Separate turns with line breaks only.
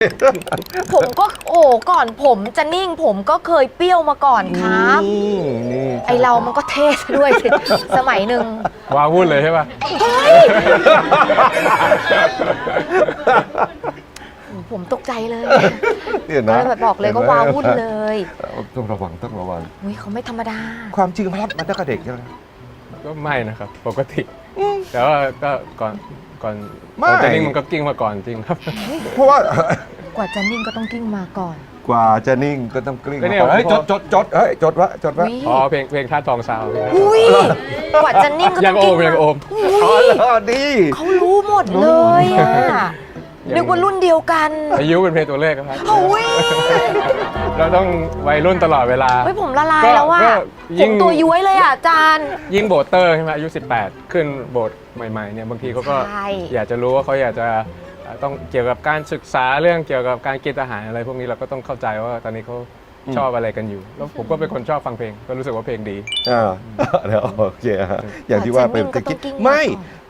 ผมก็ก่อนผมจะนิ่งผมก็เคยเปรี้ยวมาก่อนครับไอเรามันก็เท่ซะด้วยสิสมัยหนึ่ง
ว้าวุ่นเลยใช่ป่ะ
เฮ้ยผมตกใจเลย
เนี่ยนะ
แบบบอกเลยก็ว้าวุ่นเลย
ต้องระวังต้องระวัง
อุ้ยเขาไม่ธรรมดา
ความจริงฮอตมาตั้งแต่เด็กใช่ไหม
ก็ไม่นะครับปกติ แต่ว่าก็ก่อน
ไม่
จะนิ่งมันก็กิ้งมาก่อนจริงครับ
เพราะว่า
กว่าจะนิ่งก็ต้องกิ้งมาก่อน
กว่าจะนิ่งก็ต้องกลิ้ง
ก็เนี่ย
เฮ้ย
พอ
จดเฮ้ยจดวะ
อุ๊ย
อ๋อเพลงท่าทองซาวเพลงท่าทอง
อุ้ยกว่าจะนิ่งก็
ยั
ต้อง ง
โอ
กิ้ง
มยังโอม
อุ้ย
ดี
เขารู้หมดเลยอะนึกว่ารุ่นเดียวกัน
อายุเป็นเพลงตัวเลขครับ
โอ้ย
เราต้องวัยรุ่นตลอดเวลา
เฮ้ยผมละลายแล้วว่า
ก็
ผ
ยิ่
ม
ง
ตัวย้วยเลยอ่ะอาจารย์
ยิ่งโบสเตอร์ใช่ไหมอายุ 18 ขึ้นโบสใหม่ๆเนี่ยบางทีเขาก็
ใช่
อยากจะรู้ว่าเขาอยากจะต้องเกี่ยวกับการศึกษาเรื่องเกี่ยวกับการกินอาหารอะไรพวกนี้เราก็ต้องเข้าใจว่าตอนนี้เขาชอบอะไรกันอยู่ แล้วผมก็เป็นคนชอบฟังเพลงก็รู้สึกว่าเพลงดี
เดี๋ยวโอเคฮะอย่างที่ว่าเป็น
กว่าจะนิ่งก็ต้องกิ้ง
ไม่
มาก่อน